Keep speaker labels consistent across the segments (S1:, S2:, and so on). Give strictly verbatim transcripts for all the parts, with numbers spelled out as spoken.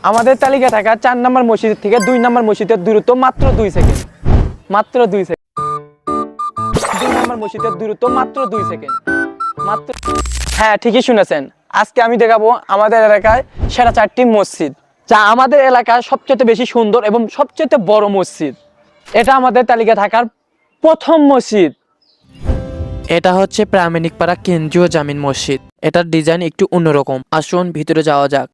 S1: আমাদের তালিকায় থাকা চার নম্বর মসজিদ থেকে দুই নম্বর মসজিদের দূরত্ব মাত্র দুই সেকেন্ড মাত্র দুই সেকেন্ড দুই নম্বর মসজিদের দূরত্ব মাত্র দুই সেকেন্ড মাত্র। হ্যাঁ, ঠিকই শুনেছেন। আজকে আমি দেখাবো আমাদের এলাকায় সেরা চারটি মসজিদ, যা আমাদের এলাকায় সবচেয়ে বেশি সুন্দর এবং সবচেয়ে বড় মসজিদ। এটা আমাদের তালিকায় থাকার প্রথম মসজিদ।
S2: এটা হচ্ছে প্রামাণিক পাড়া কেন্দ্রীয় জামিন মসজিদ। এটার ডিজাইন একটু অন্যরকম। আসুন ভিতরে যাওয়া যাক।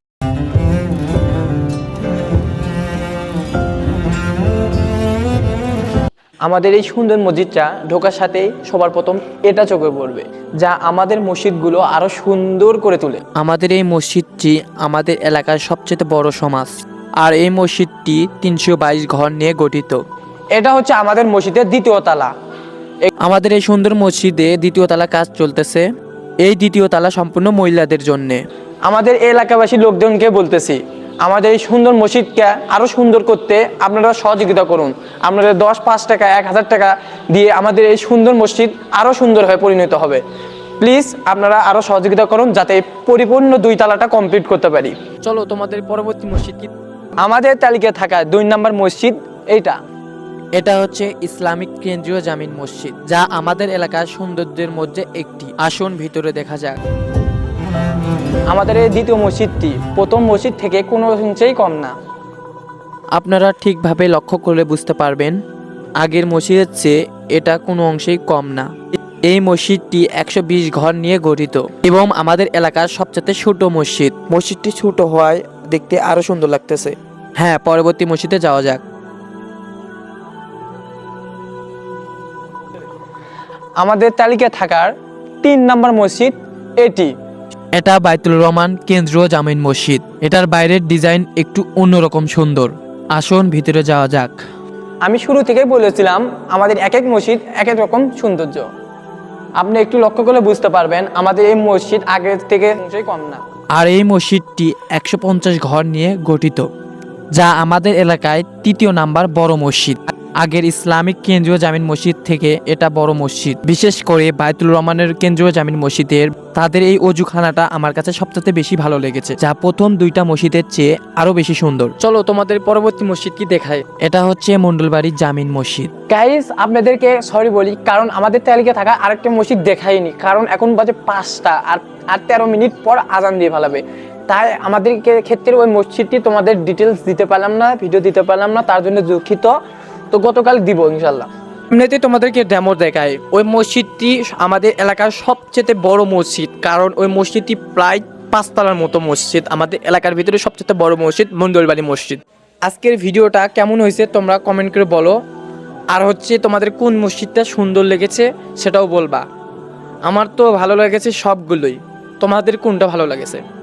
S1: আমাদের এই সুন্দর মসজিদটা ঢোকার সাথেই সবার প্রথম এটা চোখে পড়বে, যা আমাদের মসজিদগুলো আরো সুন্দর করে তোলে।
S2: আমাদের এই মসজিদটি আমাদের এলাকার সবচেয়ে বড় সমাজ, আর এই মসজিদটি তিনশো বাইশ ঘর নিয়ে গঠিত।
S1: এটা হচ্ছে আমাদের মসজিদের দ্বিতীয় তালা।
S2: আমাদের এই সুন্দর মসজিদে দ্বিতীয় তালা কাজ চলতেছে। এই দ্বিতীয় তালা সম্পূর্ণ মহিলাদের জন্যে।
S1: আমাদের এলাকাবাসী লোকজনকে বলতেছি, আমাদের এই সুন্দর মসজিদকে আরো সুন্দর করতে আপনারা সহযোগিতা করুন। আপনাদের দশ পাঁচ টাকা এক হাজার টাকা দিয়ে আমাদের এই সুন্দর মসজিদ আরো সুন্দর হয়ে পরিণত হবে। প্লিজ আপনারা আরো সহযোগিতা করুন, যাতে পরিপূর্ণ দুই তালাটা কমপ্লিট করতে পারি।
S2: চলো তোমাদের পরবর্তী মসজিদ কি?
S1: আমাদের তালিকায় থাকা দুই নম্বর মসজিদ এইটা।
S2: এটা হচ্ছে ইসলামিক কেন্দ্রীয় জামিন মসজিদ, যা আমাদের এলাকার সৌন্দর্যের মধ্যে একটি। আসুন ভিতরে দেখা যাক।
S1: আমাদের এই দ্বিতীয় মসজিদটি প্রথম মসজিদ থেকে কোনো অংশেই কম না।
S2: আপনারা ঠিকভাবে লক্ষ্য করলে বুঝতে পারবেন, আগের মসজিদের চেয়ে এটা কোনো অংশেই কম না। এই মসজিদটি একশো বিশ ঘর নিয়ে গঠিত এবং আমাদের এলাকার সবচেয়ে ছোট মসজিদ। মসজিদটি ছোট হওয়ায় দেখতে আরো সুন্দর লাগতেছে। হ্যাঁ, পরবর্তী মসজিদে যাওয়া যাক।
S1: আমাদের তালিকায় থাকার তিন নম্বর মসজিদ এটি।
S2: এটা বাইতুল রহমান কেন্দ্রীয় জামিন মসজিদ। এটার বাইরের ডিজাইন একটু অন্যরকম সুন্দর। আসুন ভিতরে যাওয়া যাক।
S1: আমি শুরু থেকেই বলেছিলাম, আমাদের এক এক মসজিদ এক এক রকম সৌন্দর্য। আপনি একটু লক্ষ্য করলে বুঝতে পারবেন, আমাদের এই মসজিদ আগের থেকে অংশেই কম না।
S2: আর এই মসজিদটি একশো পঞ্চাশ ঘর নিয়ে গঠিত, যা আমাদের এলাকায় তৃতীয় নাম্বার বড় মসজিদ। আগের ইসলামিক কেন্দ্রীয় জামিন মসজিদ থেকে এটা বড় মসজিদ। বিশেষ করে বাইতুল রহমানের কেন্দ্রীয় জামিন মসজিদের তাদের এই অজুখানাটা আমার কাছে সবচেয়ে বেশি ভালো লেগেছে, যা প্রথম দুইটা মসজিদের চেয়ে আরো বেশি সুন্দর। চলো তোমাদের পরবর্তী মসজিদ কি দেখায়। এটা হচ্ছে মন্ডলবাড়ির জামিন মসজিদ।
S1: গাইস, আপনাদেরকে সরি বলি, কারণ আমাদের তালিকায় থাকা আরেকটা মসজিদ দেখাইনি, কারণ এখন বাজে পাঁচটা আর আর তেরো মিনিট পর আজান দিয়ে ফেলাবে। তাই আমাদেরকে ক্ষেত্রে ওই মসজিদটি তোমাদের ডিটেলস দিতে পারলাম না, ভিডিও দিতে পারলাম না, তার জন্য দুঃখিত। তো গতকাল দিব ইনশাল্লাহ। এমনিতে তোমাদেরকে ডেমো দেখায়। ওই মসজিদটি আমাদের এলাকার সবচেয়ে বড় মসজিদ, কারণ ওই মসজিদটি প্রায় পাঁচতলার মতো মসজিদ। আমাদের এলাকার ভিতরে সবচেয়ে বড় মসজিদ মন্ডলবাড়ি মসজিদ। আজকের ভিডিওটা কেমন হয়েছে তোমরা কমেন্ট করে বলো, আর হচ্ছে তোমাদের কোন মসজিদটা সুন্দর লেগেছে সেটাও বলবা। আমার তো ভালো লেগেছে সবগুলোই, তোমাদের কোনটা ভালো লেগেছে?